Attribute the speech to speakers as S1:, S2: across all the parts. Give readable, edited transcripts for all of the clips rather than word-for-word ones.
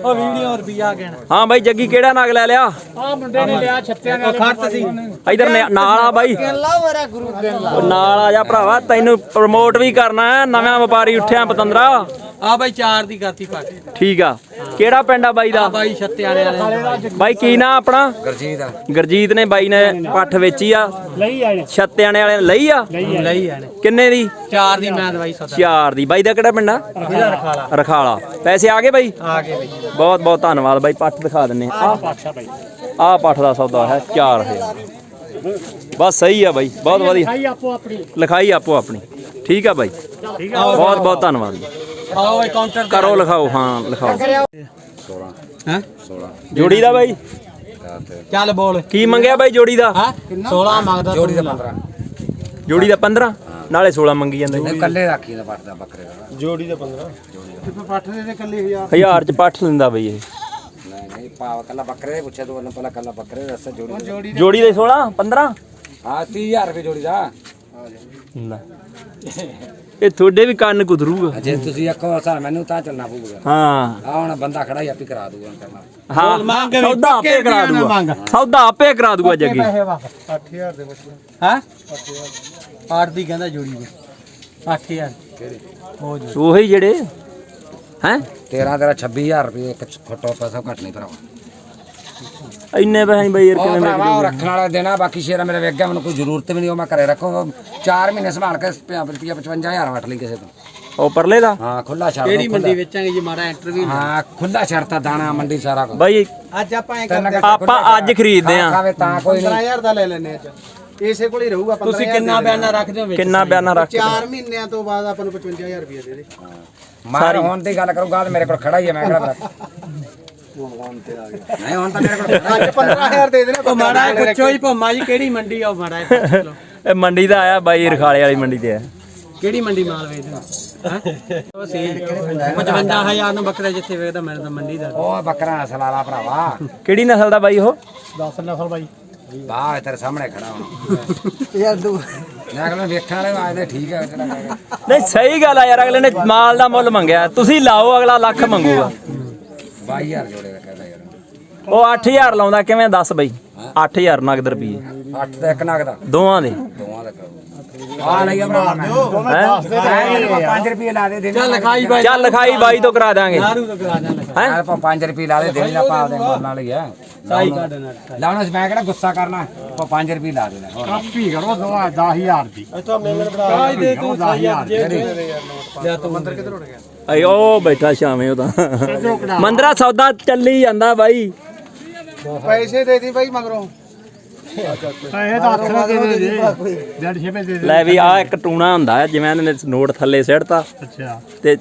S1: ਉਹ ਵੀਡੀਓ ਰੁਪਿਆ ਗਿਣ।
S2: ਹਾਂ ਬਾਈ ਜੱਗੀ ਕਿਹੜਾ ਨਗ ਲੈ ਲਿਆ?
S1: ਆ ਮੁੰਡੇ ਨੇ ਲਿਆ ਛੱਤਿਆਂ ਨਾਲ ਖਰਚ ਸੀ
S2: ਇਧਰ ਨਾਲ ਆ ਬਾਈ ਨਾਲ ਆ ਜਾ ਭਰਾਵਾ, ਤੈਨੂੰ ਪ੍ਰਮੋਟ ਵੀ ਕਰਨਾ ਹੈ। ਨਵਾਂ ਵਪਾਰੀ ਉੱਠਿਆ ਪਤੰਦਰਾ।
S1: ਆ ਬਾਈ 4 ਦੀ ਕਰਤੀ ਪਾ ਕੇ।
S2: ਠੀਕ ਆ। ਕਿਹੜਾ ਪਿੰਡ ਆ ਬਾਈ ਦਾ?
S1: ਬਾਈ ਛੱਤਿਆਂ ਵਾਲੇ।
S2: ਬਾਈ ਕੀ ਨਾਂ ਆਪਣਾ?
S3: ਗੁਰਜੀਤ।
S2: ਗੁਰਜੀਤ ਨੇ ਬਾਈ ਨੇ ਪੱਠ ਵੇਚੀ ਆ।
S1: ਲਈ ਆਣੇ
S2: ਛੱਤਿਆਣੇ ਵਾਲੇ ਨੇ ਲਈ ਆ।
S1: ਲਈ ਆਣੇ
S2: ਕਿੰਨੇ ਦੀ?
S1: 4 ਦੀ ਮੈਂ ਦਵਾਈ ਸੌਦਾ।
S2: 4 ਦੀ। ਬਾਈ ਦਾ ਕਿਹੜਾ ਪਿੰਡ ਆ?
S1: ਰਖਾਲਾ।
S2: ਰਖਾਲਾ। ਪੈਸੇ ਆ ਗਏ ਬਾਈ?
S1: ਆ ਗਏ ਬਾਈ।
S2: ਬਹੁਤ ਬਹੁਤ ਧੰਨਵਾਦ ਬਾਈ। ਪੱਠ ਦਿਖਾ ਦਿੰਨੇ ਆ। ਆਹ ਪੱਠ ਦਾ ਸੌਦਾ ਹੈ 4000। ਬਸ ਸਹੀ ਆ ਬਾਈ, ਬਹੁਤ ਵਧੀਆ। ਲਿਖਾਈ ਆਪੋ ਆਪਣੀ। ਠੀਕ ਆ ਬਾਈ, ਬਹੁਤ ਬਹੁਤ ਧੰਨਵਾਦ ਜੀ।
S1: ਆਓ ਕਾਊਂਟਰ
S2: ਕਰੋ ਲਿਖਾਓ। ਹਾਂ ਲਿਖਾਓ।
S3: 16
S1: ਹੈ
S3: 16
S2: ਜੋੜੀ ਦਾ ਬਾਈ
S1: ਚੱਲ ਬੋਲ
S2: ਕੀ ਮੰਗਿਆ ਬਾਈ ਜੋੜੀ ਦਾ?
S1: 16 ਮੰਗਦਾ।
S3: ਜੋੜੀ ਦਾ 15।
S2: ਜੋੜੀ ਦਾ 15 ਨਾਲੇ 16 ਮੰਗੀ ਜਾਂਦੇ।
S3: ਨਹੀਂ ਕੱਲੇ ਰੱਖੀ ਦਾ ਪੱਟ ਦਾ ਬੱਕਰੇ ਦਾ।
S1: ਜੋੜੀ ਦਾ 15 ਪੱਠ ਦੇ ਕੱਲੇ
S2: 1000 ਚ ਪੱਠ ਲੈਂਦਾ ਬਈ ਇਹ।
S3: ਨਹੀਂ ਨਹੀਂ ਪਾਵ ਕੱਲਾ ਬੱਕਰੇ ਦੇ ਪੁੱਛਿਆ ਤੂੰ ਪਹਿਲਾਂ ਕੱਲਾ ਬੱਕਰੇ ਦਾ ਦੱਸ। ਜੋੜੀ
S2: ਜੋੜੀ ਦੇ 16 15।
S3: ਹਾਂ 30000 ਰੁਪਏ ਜੋੜੀ ਦਾ।
S2: ਇਹ ਤੁਹਾਡੇ ਵੀ ਕੰਨ ਕੁਤਰੂਗਾ
S3: ਜੇ ਤੁਸੀਂ ਆਖੋ ਸਰ ਮੈਨੂੰ ਤਾਂ ਚੱਲਣਾ ਪਊਗਾ।
S2: ਹਾਂ
S3: ਆ ਹੁਣ ਬੰਦਾ ਖੜਾ ਹੀ ਆਪੀ ਕਰਾ ਦੂਗਾ ਕਰਨਾ।
S2: ਹਾਂ ਸੌਦਾ ਆਪੇ ਕਰਾ ਦੂਗਾ। ਸੌਦਾ ਆਪੇ ਕਰਾ ਦੂਗਾ ਜੱਗੀ।
S1: 8000 ਦੇ ਬੱਚੇ ਹੈ 8 ਦੀ ਕਹਿੰਦਾ ਜੋੜੀ ਦੇ 8000
S3: ਕਿਹੜੇ?
S2: ਉਹੀ ਜਿਹੜੇ ਹੈ
S3: 13 ਤੇਰਾ 26000 ਰੁਪਏ ਇੱਕ ਖੋਟੋ ਪੈਸਾ ਘੱਟ ਨਹੀਂ ਭਰਾਵਾ।
S2: ਇੰਨੇ ਪੈਸੇ ਬਈ ਯਾਰ ਕਿਵੇਂ
S3: ਭਰਾਵਾ ਉਹ ਰੱਖਣ ਵਾਲਾ ਦੇਣਾ। ਬਾਕੀ ਸ਼ੇਰਾ ਮੇਰੇ ਵੇਖ ਗਿਆ, ਮੈਨੂੰ ਕੋਈ ਜ਼ਰੂਰਤ ਵੀ ਨਹੀਂ। ਉਹ ਮੈਂ ਘਰੇ ਰੱਖੋ 4 ਮਹੀਨੇ ਸੰਭਾਲ ਕੇ ਰੁਪਿਆ 55000 ਵਟ ਲਈ ਕਿਸੇ ਤੋਂ।
S2: ਉਹ ਪਰਲੇ ਦਾ?
S3: ਹਾਂ ਖੁੱਲਾ ਛੱਡ।
S1: ਕਿਹੜੀ ਮੰਡੀ ਵੇਚਾਂਗੇ ਜੀ ਮਾੜਾ ਇੰਟਰਵਿਊ।
S3: ਹਾਂ ਖੁੱਲਾ ਛੱਡਤਾ ਦਾਣਾ ਮੰਡੀ ਸਾਰਾ ਕੁਝ।
S2: ਬਾਈ
S1: ਅੱਜ ਆਪਾਂ
S2: ਆਪਾਂ ਅੱਜ ਖਰੀਦਦੇ ਆ।
S3: ਖਾਵੇ ਤਾਂ ਕੋਈ ਨਹੀਂ।
S1: 15000 ਦਾ ਲੈ ਲੈਨੇ ਅੱਜ ਇਸੇ ਕੋਲ ਹੀ ਰਹੂਗਾ। ਤੁਸੀਂ ਕਿੰਨਾ ਬਿਆਨਾ ਰੱਖਦੇ ਹੋ ਵਿੱਚ?
S2: ਕਿੰਨਾ ਬਿਆਨਾ ਰੱਖ?
S1: 4 ਮਹੀਨਿਆਂ ਤੋਂ ਬਾਅਦ ਆਪਾਂ ਨੂੰ 55000 ਰੁਪਏ ਦੇ ਦੇ।
S3: ਮਾਰ ਹੁਣ ਦੀ ਗੱਲ ਕਰੂਗਾ ਮੇਰੇ ਕੋਲ ਖੜਾ ਹੀ ਹੈ। ਮੈਂ ਕਿਹੜਾ ਨਹੀਂ ਹੁਣ ਤਾਂ ਮੇਰੇ ਕੋਲ
S1: ਅੱਜ 15000 ਦੇ ਦੇਣਾ। ਉਹ ਮਾੜਾ ਪੁੱਛੋ ਹੀ ਭੋਮਾ ਜੀ ਕਿਹੜੀ ਮੰਡੀ ਆ? ਉਹ ਮਾੜਾ
S2: ਇਹ ਮੰਡੀ ਦਾ ਆਇਆ ਬਾਈ ਰਖਾਲੇ ਵਾਲੀ ਮੰਡੀ ਤੇ ਆ।
S1: ਕਿਹੜੀ ਮੰਡੀ ਮਾਲ ਵੇਚਦੇ ਹੈ? ਉਹ ਸੀ 55000 ਨੂੰ ਬੱਕਰਾ ਜਿੱਥੇ ਵੇਚਦਾ ਮੈਨੂੰ ਤਾਂ ਮੰਡੀ ਦਾ।
S3: ਉਹ ਬੱਕਰਾ ਨਸਲ ਵਾਲਾ ਭਰਾਵਾ।
S2: ਕਿਹੜੀ ਨਸਲ ਦਾ ਬਾਈ ਉਹ?
S1: 10 ਨਸਲ ਬਾਈ।
S3: ਬਾਹ ਤੇਰੇ ਸਾਹਮਣੇ ਖੜਾ ਹੁਣ ਯਾਰ ਤੂੰ ਮੈਂ ਕਹਿੰਦਾ ਵੇਖਣ ਵਾਲੇ ਆਜਦੇ ਠੀਕ ਹੈ ਜਿਹੜਾ ਕਹੇਗਾ।
S2: ਨਹੀਂ ਸਹੀ ਗੱਲ ਆ ਯਾਰ, ਅਗਲੇ ਨੇ ਮਾਲ ਦਾ ਮੁੱਲ ਮੰਗਿਆ, ਤੁਸੀਂ ਲਾਓ ਅਗਲਾ ਲੱਖ ਮੰਗੂਗਾ।
S3: 22000 ਜੋੜੇ ਦਾ ਕਹਿੰਦਾ ਯਾਰ।
S2: ਉਹ 8000 ਲਾਉਂਦਾ ਕਿਵੇਂ ਦੱਸ ਬਈ? 8000 ਨਗਦ ਰੁਪਏ
S3: 8 ਦਾ ਇੱਕ ਨਗ ਦਾ
S2: ਦੋਵਾਂ ਦੇ।
S3: ਦੋਵਾਂ ਦਾ ਕਰੋ। ਆ ਲਈ ਭਰਾ ਮੈਂ 5 ਰੁਪਏ ਲਾ ਦੇ।
S1: ਚੱਲ ਲਿਖਾਈ ਬਾਈ।
S2: ਚੱਲ ਲਿਖਾਈ ਬਾਈ ਤੋਂ ਕਰਾ ਦਾਂਗੇ।
S1: ਨਾਰੂ ਤੋਂ ਕਰਾ ਦੇਣਾ।
S2: ਹੈ
S3: ਆਪਾਂ 5 ਰੁਪਏ ਲਾ ਦੇ ਦੇਣੀ ਆਪਾਂ ਆਪਦੇ ਮਨ ਨਾਲ ਹੀ ਹੈ।
S1: ਸਾਈ ਕੱਢ ਨਾ
S3: ਲਾਉਣਾ ਮੈਂ ਕਿਹੜਾ ਗੁੱਸਾ ਕਰਨਾ। ਆਪਾਂ 5 ਰੁਪਏ ਲਾ ਦੇਣਾ।
S1: ਕਾਪੀ ਕਰੋ 10000 ਦੀ। ਇੱਥੋਂ ਮੇਲਣ ਬਣਾ ਦੇ ਤੂੰ 10000 ਦੇ ਯਾ ਤੂੰ ਮੰਦਰ ਕਿੱਧਰ ਉੱਡ ਗਿਆ?
S2: ਅਈ ਉਹ ਬੈਠਾ ਸ਼ਾਮੇ ਉਹ ਤਾਂ ਮੰਦਰਾ ਸੌਦਾ ਚੱਲੀ ਜਾਂਦਾ ਬਾਈ।
S1: ਪੈਸੇ ਦੇ ਦੀ ਬਾਈ ਮਗਰੋਂ। ਪੈਸੇ ਤਾਂ ਹੱਥ ਨਾਲ ਦੇ ਦੇ 150 ਦੇ ਦੇ।
S2: ਲੈ ਵੀ ਆ ਇੱਕ ਟੂਣਾ ਹੁੰਦਾ ਹੈ, ਜਿਵੇਂ ਇਹਨੇ ਨੋਟ ਥੱਲੇ ਸਿੱਟਤਾ
S1: ਅੱਛਾ
S2: ਤੇ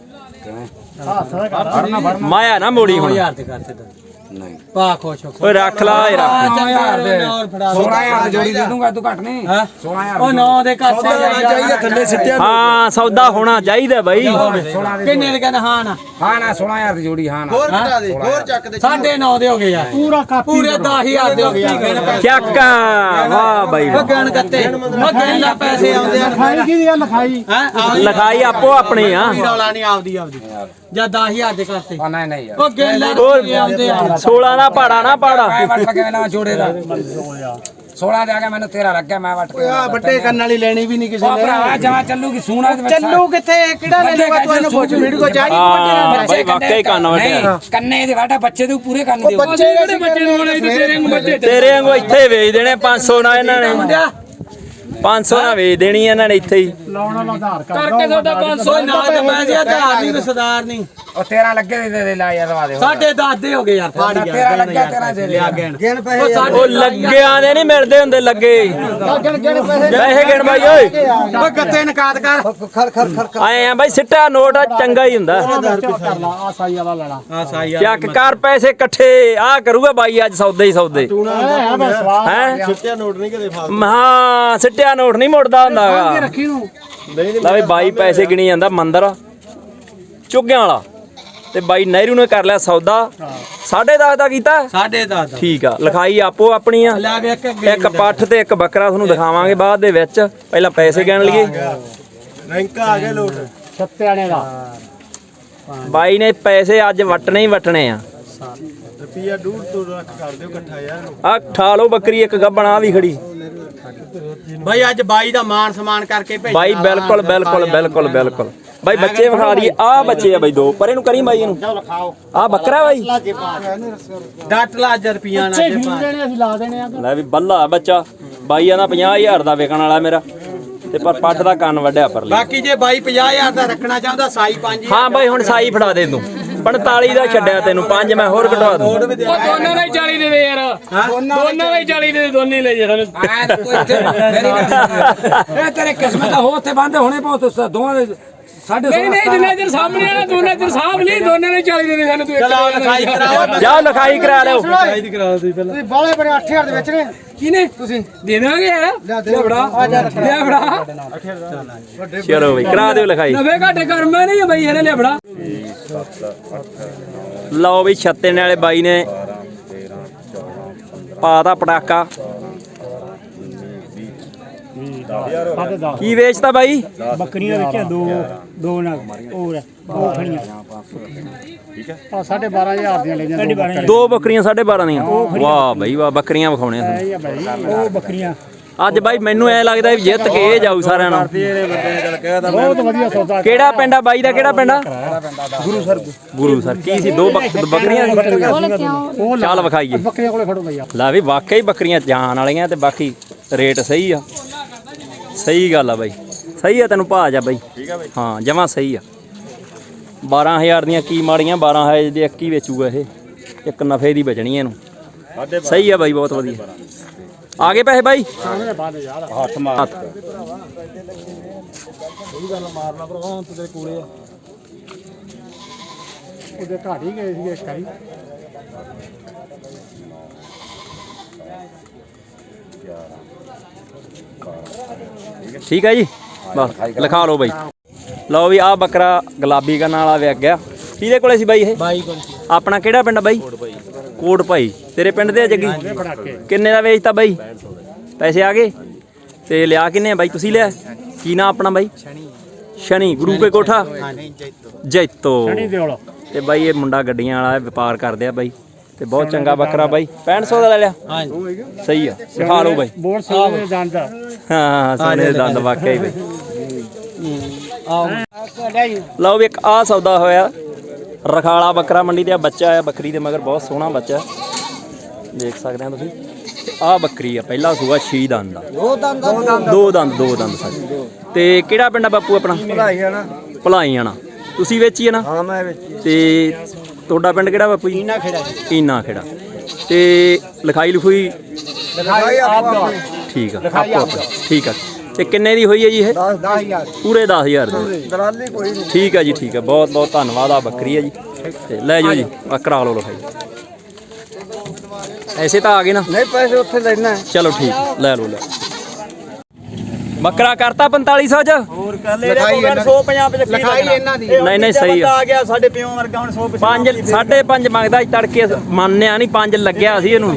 S2: ਮਾਇਆ ਨਾ ਮੋੜੀ ਹੁਣ।
S1: 1000 ਤੇ ਕਰਤੇ ਤਾਂ
S3: ਨਹੀਂ
S1: ਪਾ ਖੁਸ਼ ਹੋ।
S2: ਓਏ ਰੱਖ ਲਾ ਇਹ ਰੱਖ।
S3: 16000 ਦੇ 16000 ਦੀ ਜੋੜੀ ਦੇ ਦੂੰਗਾ ਤੂੰ ਘੱਟ ਨਹੀਂ। 16000
S1: ਉਹ 9 ਦੇ ਘੱਟ ਚਾਹੀਦਾ ਥੱਲੇ ਸਿੱਟਿਆ।
S2: ਹਾਂ ਸੌਦਾ ਹੋਣਾ ਚਾਹੀਦਾ ਬਾਈ।
S1: ਕਿੰਨੇ ਦੇ ਕਹਿੰਦਾ? ਹਾਂ ਨਾ
S3: ਹਾਂ ਨਾ 16000 ਦੀ ਜੋੜੀ। ਹਾਂ ਨਾ
S1: ਹੋਰ ਘਟਾ ਦੇ, ਹੋਰ ਚੱਕ ਦੇ। 9.5 ਦੇ ਹੋ ਗਏ ਯਾਰ। ਪੂਰਾ ਕਾਪੀ ਪੂਰੇ 10000 ਦੇ ਹੋ ਗਏ ਯਾਰ।
S2: ਚੱਕ ਵਾਹ ਬਾਈ
S1: ਉਹ ਗਣ ਕੱਤੇ ਉਹ ਗਣ ਲਾ ਪੈਸੇ ਆਉਂਦੇ ਆ। ਲਿਖਾਈ ਕੀ ਆ? ਲਿਖਾਈ ਹੈ
S2: ਲਿਖਾਈ ਆਪੋ ਆਪਣੀ ਆ।
S1: ਰੌਲਾ ਨਹੀਂ ਆਪਦੀ ਜਾਂ 10000 ਦੇ ਕਰਤੇ।
S3: ਨਹੀਂ ਨਹੀਂ ਯਾਰ
S1: ਉਹ ਗਣ ਲਾ ਆਉਂਦੇ ਆ।
S2: 16 ਦਾ ਪਾੜਾ ਨਾ ਪਾੜਾ।
S3: ਮੈਂ ਵੱਟ ਕੇ ਨਾ ਜੋੜੇ ਦਾ 16 ਦੇ ਆ ਗਿਆ। ਮੈਨੂੰ 13 ਲੱਗਿਆ ਮੈਂ ਵੱਟ ਕੇ।
S1: ਆ ਵੱਡੇ ਕੰਨ ਵਾਲੀ ਲੈਣੀ ਵੀ ਨਹੀਂ ਕਿਸੇ
S3: ਉਹ
S1: ਨੇ।
S3: ਭਰਾਵਾ ਜਮਾ ਚੱਲੂਗੀ ਸੂਣਾ ਦੇ ਵਿੱਚ।
S1: ਚੱਲੂ ਕਿੱਥੇ? ਕਿਹੜਾ ਲੈ ਲੂਗਾ? ਤੂੰ ਇਹਨੂੰ ਪੁੱਛ ਵੀਡੀਓ ਚਾੜੀ
S2: ਹਾਂ ਬਾਈ ਵਾਕਈ ਕੰਨ ਵੱਟਿਆ।
S3: ਕੰਨੇ ਦੇ ਵਾਟਾ ਬੱਚੇ ਦੇ ਪੂਰੇ ਕੰਨ ਦੇ।
S1: ਬੱਚੇ ਜਿਹੜੇ ਬੱਚੇ ਨੂੰ ਵਾਲੇ ਤੇਰੇ ਨੂੰ ਬੱਚੇ
S2: ਤੇਰੇ ਵਾਂਗੂ ਇੱਥੇ ਵੇਚ ਦੇਣੇ 500 ਨਾਲ ਇਹਨਾਂ ਨੇ। 500 ਨਾਲ ਵੇਚ ਦੇਣੀ ਇਹਨਾਂ ਨੇ ਇੱਥੇ ਹੀ।
S1: ਲਾਉਣਾ ਲਾ ਆਧਾਰ ਕਾਰਡ ਕਰਕੇ ਤੁਹਾਡਾ 500 ਨਾ ਤੇ ਮੈਂ ਜੀ ਆਧਾਰ ਨਹੀਂ ਸਰਦਾਰ ਨਹੀਂ।
S3: ਉਹ 13 ਲੱਗੇ ਦੇ ਲਾ ਯਾਰ ਦਵਾ ਦੇ।
S1: ਸਾਡੇ 10 ਦੇ ਹੋ ਗਏ ਯਾਰ। ਫਾੜ ਗਿਆ
S3: 13 ਲੱਗਿਆ 13 ਦੇ
S1: ਲਿਆ ਗਿਣ
S2: ਉਹ ਲੱਗਿਆਂ ਦੇ ਨਹੀਂ ਮਿਲਦੇ ਹੁੰਦੇ ਲੱਗੇ। ਪੈਸੇ ਗਿਣ ਬਾਈ ਓਏ।
S1: ਓ ਗੱਤੇ ਨਕਾਤ ਕਰ।
S2: ਆਏ ਆ ਬਾਈ ਸਿੱਟਾ ਨੋਟ ਚੰਗਾ ਹੀ ਹੁੰਦਾ।
S1: ਕਰ ਲਾ ਆ ਸਾਈ ਵਾਲਾ ਲੈ ਲਾ। ਆ ਸਾਈ
S2: ਚੱਕ ਕਰ ਪੈਸੇ ਇਕੱਠੇ ਆ ਕਰੂਗਾ ਬਾਈ ਅੱਜ ਸੌਦੇ ਹੀ ਸੌਦੇ। ਹੈ
S1: ਸਿੱਟਿਆ ਨੋਟ ਨਹੀਂ ਕਦੇ ਫਾਲ।
S2: ਹਾਂ ਸਿੱਟਿਆ ਨੋਟ ਨਹੀਂ ਮੁੜਦਾ ਹੁੰਦਾਗਾ।
S1: ਰੱਖੀ ਨੂੰ
S2: ਲੈ ਵੀ ਬਾਈ ਪੈਸੇ ਗਿਣੀ ਜਾਂਦਾ ਮੰਦਰ ਚੁੱਗਿਆਂ ਵਾਲਾ ਤੇ ਬਾਈ ਨਹਿਰੂ ਨੇ ਕਰ ਲਿਆ ਸੌਦਾ 10.5 ਦਾ ਕੀਤਾ।
S1: 10.5
S2: ਠੀਕ ਆ। ਲਿਖਾਈ ਆਪੋ ਆਪਣੀ ਆ।
S1: ਲੈ ਵੇ
S2: ਇੱਕ ਪੱਠ ਤੇ ਇੱਕ ਬੱਕਰਾ ਤੁਹਾਨੂੰ ਦਿਖਾਵਾਂਗੇ ਬਾਅਦ ਦੇ ਵਿੱਚ। ਪਹਿਲਾਂ ਪੈਸੇ ਗਿਣ ਲਈਏ।
S1: ਰੈਂਕਾ ਆ ਗਿਆ ਲੋਟ ਛੱਤਿਆਣੇ ਦਾ।
S2: ਬਾਈ ਨੇ ਪੈਸੇ ਅੱਜ ਵਟਣੇ ਹੀ ਵਟਣੇ ਆ।
S1: ਰੁਪਿਆ 1.5 ਲੱਖ ਕਰ ਦਿਓ ਇਕੱਠਾ ਯਾਰ।
S2: ਆ ਠਾ ਲਓ ਬੱਕਰੀ ਇੱਕ ਗੱਬਣ ਆ ਵੀ ਖੜੀ
S1: ਬਾਈ ਅੱਜ ਬਾਈ ਦਾ ਮਾਨ ਸਮਾਨ ਕਰਕੇ ਭੇਜ
S2: ਬਾਈ ਬਿਲਕੁਲ ਬਿਲਕੁਲ ਬਿਲਕੁਲ ਬਿਲਕੁਲ ਬਾਈ ਬੱਚੇ ਵਿਖਾ ਦਈਏ ਆ ਬੱਚੇ ਆ ਬਾਈ ਦੋ ਪਰੇ ਨੂੰ ਕਰੀ ਬਾਈ ਇਹਨੂੰ
S1: ਲਿਖਾਓ
S2: ਆ ਬੱਕਰਾ ਬਾਈ
S1: ਡੱਟ ਲਾ 1000 ਰੁਪਿਆ ਨਾਲ ਜੇ ਅਸੀਂ ਲਾ ਦੇਣੇ ਆ।
S2: ਲੈ ਵੀ ਬੱਲਾ ਬੱਚਾ ਬਾਈ ਆਂਦਾ 50000 ਦਾ ਵਿਕਣ ਵਾਲਾ ਮੇਰਾ ਤੇ ਪਰ ਪੱਠ ਦਾ ਕੰਨ ਵੱਢਿਆ ਪਰ ਲਈ
S1: ਬਾਕੀ ਜੇ ਬਾਈ 50000 ਦਾ ਰੱਖਣਾ ਚਾਹੁੰਦਾ ਸਾਈ 5
S2: ਹਾਂ ਬਾਈ ਹੁਣ ਸਾਈ ਫੜਾ ਦੇ ਤੂੰ 45 ਦਾ ਛੱਡਿਆ ਤੈਨੂੰ 5 ਮੈਂ ਹੋਰ ਕਢਵਾ ਦੂੰ
S4: ਉਹ ਦੋਨਾਂ ਦਾ ਹੀ 40 ਦੇ ਦੇ ਯਾਰ ਦੋਨਾਂ ਦਾ ਹੀ 40 ਦੇ ਦੋਨੇ ਹੀ ਲੈ ਜੇ ਸਾਨੂੰ
S3: ਇਹ ਤੇਰੇ ਕਿਸਮਤ ਹੋ ਉੱਥੇ ਬੰਦ ਹੋਣੇ ਬਹੁਤ ਦੋਵਾਂ ਦੇ
S4: ਨਹੀਂ ਜਿੰਨਾ ਚਿਰ ਸਾਹਮਣੇ ਆਣਾ ਦੋਨਾਂ ਚਿਰ ਸਾਹਬ ਨਹੀਂ ਦੋਨਾਂ ਨੇ 40 ਦੇ ਦੇ ਸਾਨੂੰ ਤੂੰ ਇੱਕ
S1: ਚਲੋ ਲਿਖਾਈ ਕਰਾਓ।
S2: ਜਾਓ ਲਿਖਾਈ ਕਰਾ ਲਿਓ
S1: ਤੁਸੀਂ ਬਾਲੇ ਬੜੇ 8000 ਦੇ ਵਿੱਚ ਨੇ
S4: ਕਿਨੇ ਤੁਸੀਂ ਦੇ ਦਾਂਗੇ ਯਾਰ ਲੈ ਫੜਾ ਲੈ ਫੜਾ
S2: ਚਲੋ ਬਈ ਕਰਾ ਦਿਓ ਲਿਖਾਈ
S4: ਨਵੇਂ ਘਾਟੇ ਕਰਮਾ ਨਹੀਂ ਬਈ ਇਹਨੇ ਲੈ ਫੜਾ
S2: ਲਓ ਵੀ ਛੱਤੇ ਵਾਲੇ ਬਾਈ ਨੇ ਪਾਤਾ ਪਟਾਕਾ ਕੀ ਵੇਚਦਾ ਬਾਈ
S1: ਬੱਕਰੀਆਂ ਵਿੱਚ ਦੋ ਨਾ ਹੋਰ ਦੋ ਖੜੀਆਂ ਠੀਕ ਹੈ ਆ 12500 ਦੀਆਂ ਲੈ ਜਾਂਦੇ
S2: ਦੋ ਬੱਕਰੀਆਂ 12.5 ਦੀਆਂ ਵਾਹ ਬਾਈ ਵਾਹ ਬੱਕਰੀਆਂ ਵਿਖਾਉਣੇ ਆ
S1: ਉਹ ਬੱਕਰੀਆਂ
S2: ਅੱਜ ਬਾਈ ਮੈਨੂੰ ਐ ਲੱਗਦਾ ਵੀ ਜਿੱਤ ਕੇ ਇਹ ਜਾਊ ਸਾਰਿਆਂ ਨਾਲ
S1: ਬਹੁਤ ਵਧੀਆ ਸੌਦਾ
S2: ਕਿਹੜਾ ਪਿੰਡ ਆ ਬਾਈ ਦਾ ਕਿਹੜਾ ਪਿੰਡ ਆ ਗੁਰੂ ਸਰ ਕੀ ਸੀ ਦੋ ਬੱਕਰੀਆਂ ਚੱਲ ਵਿਖਾਈਏ
S1: ਬੱਕਰੀਆਂ ਕੋਲੇ ਖੜੋ ਬਈਆ
S2: ਲੈ ਵੀ ਵਾਕਈ ਬੱਕਰੀਆਂ ਜਾਨ ਵਾਲੀਆਂ ਤੇ ਬਾਕੀ ਰੇਟ ਸਹੀ ਆ ਸਹੀ ਗੱਲ ਆ ਬਾਈ ਸਹੀ ਆ ਤੈਨੂੰ ਭਾਜ ਆ ਬਾਈ ਠੀਕ ਆ ਬਾਈ ਹਾਂ ਜਮਾਂ ਸਹੀ ਆ 12000 ਦੀਆਂ ਕੀ ਮਾੜੀਆਂ 12000 ਦੀ ਇੱਕ ਹੀ ਵੇਚੂਗਾ ਇਹ ਇੱਕ ਨਫੇ ਦੀ ਬਚਣੀ ਇਹਨੂੰ ਸਹੀ ਆ ਬਾਈ ਬਹੁਤ ਵਧੀਆ ਆ ਗਏ ਪੈਸੇ ਬਾਈ ਹੱਥ ਮਾਰ
S1: ਮਾਰਨਾ ਭਰਾ ਹੁਣ ਤੇਰੇ ਕੋਲੇ ਆ ਉਹਦੇ ਘਾਟ ਹੀ ਗਏ ਸੀ ਇੱਕ ਵਾਰੀ
S2: ਠੀਕ ਹੈ ਜੀ ਬਸ ਲਿਖਾ ਲਓ ਬਾਈ ਲਓ ਵੀ ਆ ਬੱਕਰਾ ਗੁਲਾਬੀ ਕਰਨ ਵਾਲਾ ਵਿਕ ਗਿਆ ਕਿਹਦੇ ਕੋਲੇ ਸੀ ਬਾਈ ਇਹ
S1: ਬਾਈ ਕੋਲ
S2: ਆਪਣਾ ਕਿਹੜਾ ਪਿੰਡ ਬਾਈ ਕੋਟ ਭਾਈ ਤੇਰੇ ਪਿੰਡ ਦੇ ਆ ਜੱਗੀ ਕਿੰਨੇ ਦਾ ਵੇਚਤਾ ਬਾਈ ਪੈਸੇ ਆ ਗਏ ਤੇ ਲਿਆ ਕਿੰਨੇ ਆ ਬਾਈ ਤੁਸੀਂ ਲਿਆ ਕੀ ਨਾਂ ਆਪਣਾ ਬਾਈ ਸ਼ਨੀ ਗੁਰੂ ਕੇ ਕੋਠਾ ਜੈਤੋ ਤੇ ਬਾਈ ਇਹ ਮੁੰਡਾ ਗੱਡੀਆਂ ਵਾਲਾ ਵਪਾਰ ਕਰਦੇ ਆ ਬਾਈ ਤੇ ਬਹੁਤ ਚੰਗਾ ਬੱਕਰਾ ਬਾਈ 6500 ਦਾ ਲੈ ਲਿਆ ਸਹੀ ਆ ਦਿਖਾ ਲਓ ਬਾਈ
S1: ਬਹੁਤ ਸੋਹਣੇ ਦੰਦ
S2: ਹਾਂ ਸੋਹਣੇ ਦੇ ਦੰਦ ਵਾਕਿਆ ਹੀ ਬਾਈ ਲਓ ਵੀ ਇੱਕ ਆ ਸੌਦਾ ਹੋਇਆ ਰਖਾਲਾ ਬੱਕਰਾ ਮੰਡੀ ਤੇ ਆ ਬੱਚਾ ਆਇਆ ਬੱਕਰੀ ਦੇ ਮਗਰ ਬਹੁਤ ਸੋਹਣਾ ਬੱਚਾ ਦੇਖ ਸਕਦੇ ਆ ਤੁਸੀਂ ਆ ਬੱਕਰੀ ਆ ਪਹਿਲਾ ਸੂਆ 6 ਦੰਦ ਦਾ ਦੋ ਦੰਦ ਸਾਡੇ ਤੇ ਕਿਹੜਾ ਪਿੰਡ ਆ ਬਾਪੂ ਆਪਣਾ ਭਲਾਈ ਆਣਾ ਤੁਸੀਂ ਵੇਚੀ ਆ ਨਾ
S1: ਹਾਂ ਮੈਂ ਵੇਚੀ
S2: ਤੇ ਤੁਹਾਡਾ ਪਿੰਡ ਕਿਹੜਾ ਬਾਪੂ ਜੀ ਕੀਨਾ ਖੇੜਾ ਤੇ ਲਿਖਾਈ ਲਿਖੂਈ ਠੀਕ ਆ ਆਪੋ ਠੀਕ ਆ ਤੇ ਕਿੰਨੇ ਦੀ ਹੋਈ ਹੈ ਜੀ ਇਹ
S1: 10000
S2: ਪੂਰੇ 10000 ਦੀ
S1: ਦਲਾਲੀ ਕੋਈ ਨਹੀਂ
S2: ਠੀਕ ਹੈ ਜੀ ਠੀਕ ਹੈ ਬਹੁਤ ਬਹੁਤ ਧੰਨਵਾਦ ਆ ਬੱਕਰੀ ਹੈ ਜੀ ਤੇ ਲੈ ਜਾਓ ਜੀ ਆ ਕਰਾ ਲਓ ਲਿਖਾਈ ਐਸੇ ਤਾਂ ਆ ਗਏ ਨਾ
S1: ਨਹੀਂ ਪੈਸੇ ਉੱਥੇ ਲੈਣਾ
S2: ਚਲੋ ਠੀਕ ਲੈ ਲਓ ਲੈ ਬੱਕਰਾ ਕਰਤਾ 4500 ਚ
S1: ਹੋਰ ਕਰ ਲੈ 150 ਲਿਖਾਈ ਇਹਨਾਂ ਦੀ
S2: ਨਹੀਂ ਸਹੀ ਆ
S1: ਗਿਆ ਸਾਡੇ ਪਿਓ ਵਰਗਾ ਹੁਣ 100
S2: 5 5.5 ਮੰਗਦਾ ਸੀ ਤੜਕੇ ਮੰਨਿਆ ਨਹੀਂ 5 ਲੱਗਿਆ ਸੀ ਇਹਨੂੰ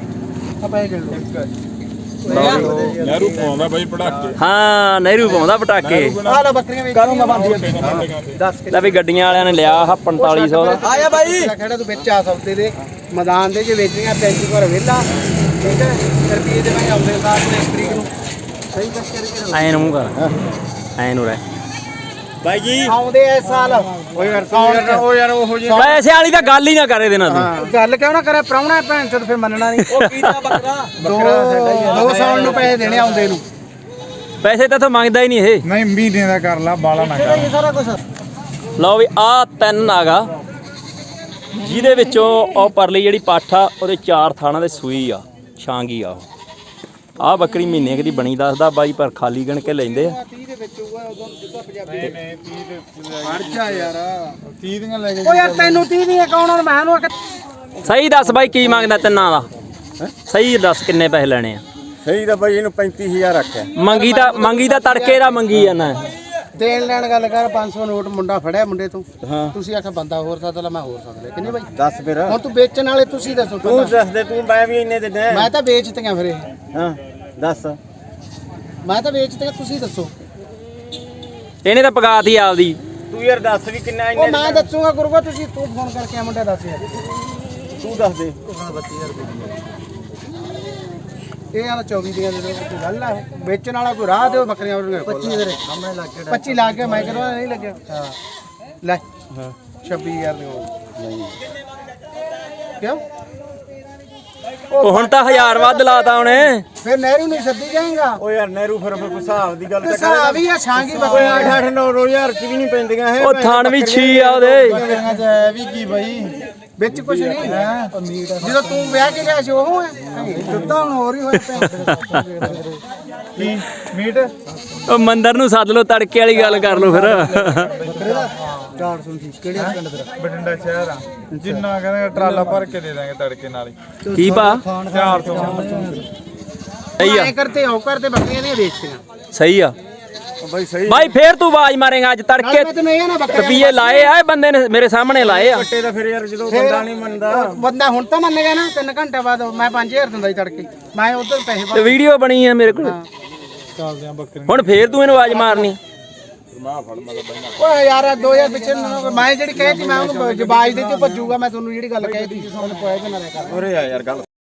S5: ਨਹਿਰੂ ਪਾਉਂਦਾ ਬਾਈ ਪਟਾਕੇ
S2: ਹਾਂ ਨਹਿਰੂ ਪਾਉਂਦਾ ਪਟਾਕੇ
S1: ਆ ਲੈ ਬੱਕਰੀਆਂ ਵੀ ਕਰੂੰਗਾ ਬੰਦ 10
S2: ਲੈ ਵੀ ਗੱਡੀਆਂ ਵਾਲਿਆਂ ਨੇ ਲਿਆ ਆਹ 4500 ਦਾ
S1: ਆਇਆ ਬਾਈ ਖੜਾ ਤੂੰ ਵਿੱਚ ਆ ਸਕਦੇ ਦੇ ਮੈਦਾਨ ਦੇ ਜੇ ਵੇਚਣੀਆਂ 35 ਘਰ ਵਿਹਲਾ ਠੀਕ ਹੈ ਰੁਪਏ ਦੇ ਮੈਂ ਆਉਂਦੇ ਸਾਰ ਨੂੰ 1 ਤਰੀਕ ਨੂੰ ਸਹੀ ਦੱਸ ਕਰਕੇ
S2: ਐਨ ਮੂੰਹ ਕਰ ਐਨ ਹੋ ਰਿਹਾ
S1: ਬਾਈ ਜੀ ਆਉਂਦੇ ਇਸ ਸਾਲ ਉਹ ਯਾਰ ਉਹ ਜੀ
S2: ਪੈਸੇ ਵਾਲੀ ਤਾਂ ਗੱਲ ਹੀ ਨਾ ਕਰੇ ਦੇਣਾ ਤੂੰ
S1: ਗੱਲ ਕਿਉਂ ਨਾ ਕਰੇ ਪ੍ਰਾਹੁਣਾ ਭੈਣ ਚੋਦ ਫਿਰ ਮੰਨਣਾ ਨਹੀਂ ਉਹ ਕੀਦਾ ਬੱਕਰਾ ਦੋ ਸਾਲ ਨੂੰ ਪੈਸੇ ਦੇਣੇ ਆਉਂਦੇ ਨੂੰ
S2: ਪੈਸੇ ਤਾਂ ਮੰਗਦਾ ਹੀ ਨਹੀਂ ਇਹ
S5: ਨਹੀਂ ਮਹੀਨੇ ਦਾ ਕਰ ਲਾ ਬਾਲਾ ਨਾ ਕਰ
S1: ਇਹ ਸਾਰਾ ਕੁਝ
S2: ਲਓ ਵੀ ਆ 3 ਆਗਾ ਜਿਹਦੇ ਵਿੱਚੋਂ ਉਹ ਪਰਲੀ ਜਿਹੜੀ ਪੱਠ ਆ ਉਹਦੇ 4 ਥਾਣਾ ਦੇ ਸੂਈ ਆ ਛਾਂਗੀ ਆ ਆ ਬੱਕਰੀ ਮਹੀਨੇ ਦੀ ਬਣੀ ਦੱਸਦਾ ਬਾਈ ਪਰ ਖਾਲੀ ਗਣ ਕੇ ਲੈਂਦੇ ਆ
S1: 30 ਦੇ ਵਿੱਚ ਹੋਊਗਾ ਉਦੋਂ ਜਿੱਦਾਂ ਪੰਜਾਬੀ
S5: ਨਹੀਂ 30 ਦੇ
S1: ਖੜ ਜਾ ਯਾਰ
S5: 30 ਦੀਆਂ ਲੈ ਕੇ
S1: ਓ ਯਾਰ ਤੈਨੂੰ 30 ਦੀਆਂ ਕੌਣ ਹੁਣ ਮੈਂ ਨੂੰ
S2: ਸਹੀ ਦੱਸ ਬਾਈ ਕੀ ਮੰਗਦਾ ਤਿੰਨਾਂ ਦਾ ਸਹੀ ਦੱਸ ਕਿੰਨੇ ਪੈਸੇ ਲੈਣੇ ਆ
S1: ਸਹੀ ਤਾਂ ਬਾਈ ਇਹਨੂੰ 35000 ਰੱਖਿਆ
S2: ਮੰਗੀ ਤਾਂ ਤੜਕੇ ਦਾ ਮੰਗੀ ਜਾਂਦਾ
S1: ਦੇਣ ਲੈਣ ਗੱਲ ਕਰ 500 ਨੋਟ ਮੁੰਡਾ ਫੜਿਆ ਮੁੰਡੇ ਤੋਂ ਤੁਸੀਂ ਆਖਿਆ ਬੰਦਾ ਹੋਰ ਸਾਥ ਲਾ ਮੈਂ ਹੋਰ ਸਾਥ ਲੈ ਕਿੰਨੇ ਬਾਈ ਦੱਸ ਫਿਰ ਹੁਣ ਤੂੰ ਵੇਚਣ ਵਾਲੇ ਤੁਸੀਂ ਦੱਸੋ ਤੂੰ ਦੱਸ ਦੇ ਤੂੰ ਮੈਂ ਵੀ ਇੰਨੇ ਦਿੰਦਾ ਮੈਂ ਤਾਂ ਵੇਚਤੀਆਂ ਫਿਰ ਇਹ ਹਾਂ ਦੱਸ ਮੈਂ ਤਾਂ ਵੇਚਤੀਆਂ ਤੁਸੀਂ ਦੱਸੋ
S2: ਇਹਨੇ ਤਾਂ ਪਗਾਤੀ ਆਪਦੀ
S1: ਤੂੰ ਯਾਰ ਦੱਸ ਵੀ ਕਿੰਨਾ ਇੰਨੇ ਉਹ ਮੈਂ ਦੱਸੂਗਾ ਗੁਰੂਆ ਤੁਸੀਂ ਤੂੰ ਫੋਨ ਕਰਕੇ ਆ ਮੁੰਡਾ ਦੱਸ ਯਾਰ
S2: ਤੂੰ ਦੱਸ ਦੇ
S1: ਇਹ ਆ 24 ਦੀਆਂ ਦੇ ਦੋ ਗੱਲ ਆ ਵੇਚਣ ਵਾਲਾ ਕੋਈ ਰਾਹ ਦਿਓ ਬੱਕਰੀਆਂ 25 ਦੇ ਸਾਹਮਣੇ ਲੱਗ ਕੇ 25 ਲਾ ਕੇ ਮੈਂ ਕਹਿੰਦਾ ਨਹੀਂ ਲੱਗਿਆ ਹਾਂ ਲੈ 26000 ਦੇ ਨਹੀਂ ਕਿਉਂ
S2: ਉਹ ਹੁਣ ਤਾਂ 1000 ਵੱਧ ਲਾਤਾ ਉਹਨੇ
S1: ਫਿਰ ਨਹਿਰੂ ਨਹੀਂ ਸੱਦੀ ਜਾਏਗਾ
S2: ਓ ਯਾਰ ਨਹਿਰੂ ਫਿਰ ਕੋਈ ਹਿਸਾਬ ਦੀ ਗੱਲ
S1: ਹਿਸਾਬ ਹੀ ਆ ਛਾਂਗੀ ਬੱਕਰੀਆਂ
S2: 8 9 ਚ ਵੀ ਨਹੀਂ ਪੈਂਦੀਆਂ ਇਹ ਉਹ ਥਣ ਵੀ 6 ਆ ਉਹਦੇ
S1: ਵੀ ਕੀ ਬਈ ਵਿੱਚ ਕੁਝ ਨਹੀਂ ਜਦੋਂ ਤੂੰ ਵਿਆਹ ਕੇ ਲਿਆ ਸੀ ਉਹ ਹੈ ਦੁੱਧਾ ਹੁਣ ਹੋਰ ਹੀ ਹੋਇਆ
S5: ਕੀ ਮੀਟ
S2: ਉਹ ਮੰਦਰ ਨੂੰ ਸੱਦ ਲਓ ਤੜਕੇ ਵਾਲੀ ਗੱਲ ਕਰ ਲਓ ਫਿਰ
S1: 400 ਦੀ ਕਿਹੜੇ ਪਿੰਡ ਤੇਰਾ
S5: ਬਠਿੰਡਾ ਸ਼ਹਿਰ ਆ ਜਿੰਨਾ ਕਹਿੰਦੇ ਟਰਾਲਾ ਭਰ ਕੇ ਦੇ ਦਾਂਗੇ ਤੜਕੇ ਨਾਲ ਹੀ
S2: ਕੀ ਪਾ
S5: 400
S2: ਸਹੀ ਆ
S1: ਐ ਕਰਤੇ ਹੋ ਕਰਦੇ ਬੱਕਰੀਆਂ ਦੀਆਂ ਵੇਚਤੀਆਂ
S2: ਸਹੀ ਆ
S5: ਬਾਈ ਸਹੀ
S2: ਬਾਈ ਫੇਰ ਤੂੰ ਆਵਾਜ਼ ਮਾਰੇਗਾ ਅੱਜ ਤੜਕੇ
S1: ਮੈਂ ਤੈਨੂੰ ਇਹ ਨਾ ਬੱਕਰੀਆਂ
S2: ਰੁਪਈਏ ਲਾਏ ਆ ਇਹ ਬੰਦੇ ਨੇ ਮੇਰੇ ਸਾਹਮਣੇ ਲਾਏ ਆ
S5: ਕੱਟੇ ਦਾ ਫਿਰ ਯਾਰ ਜਦੋਂ ਬੰਦਾ ਨਹੀਂ ਮੰਨਦਾ
S1: ਬੰਦਾ ਹੁਣ ਤਾਂ ਮੰਨ ਗਿਆ ਨਾ 3 ਘੰਟੇ ਬਾਅਦ ਮੈਂ 5000 ਦਿੰਦਾ ਸੀ ਤੜਕੇ ਮੈਂ ਉਧਰ ਪੈਸੇ
S2: ਤੇ ਵੀਡੀਓ ਬਣੀ ਆ ਮੇਰੇ ਕੋਲ
S5: ਚੱਲਦੇ ਆ ਬੱਕਰੀ
S2: ਹੁਣ ਫੇਰ ਤੂੰ ਇਹਨੂੰ ਆਵਾਜ਼ ਮਾਰਨੀ
S1: ਓਏ ਯਾਰ 2000 ਪਿੱਛੇ ਮੈਂ ਜਿਹੜੀ ਕਹਿਤੀ ਮੈਂ ਉਹਨੂੰ ਜਵਾਜ ਦੇ ਤੇ ਭੱਜੂਗਾ ਮੈਂ ਤੁਹਾਨੂੰ ਜਿਹੜੀ ਗੱਲ ਕਹਿਤੀ ਉਹਨੂੰ ਕੋਈ ਨਾ ਕਰ
S5: ਉਰੇ ਆ ਯਾਰ ਗੱਲ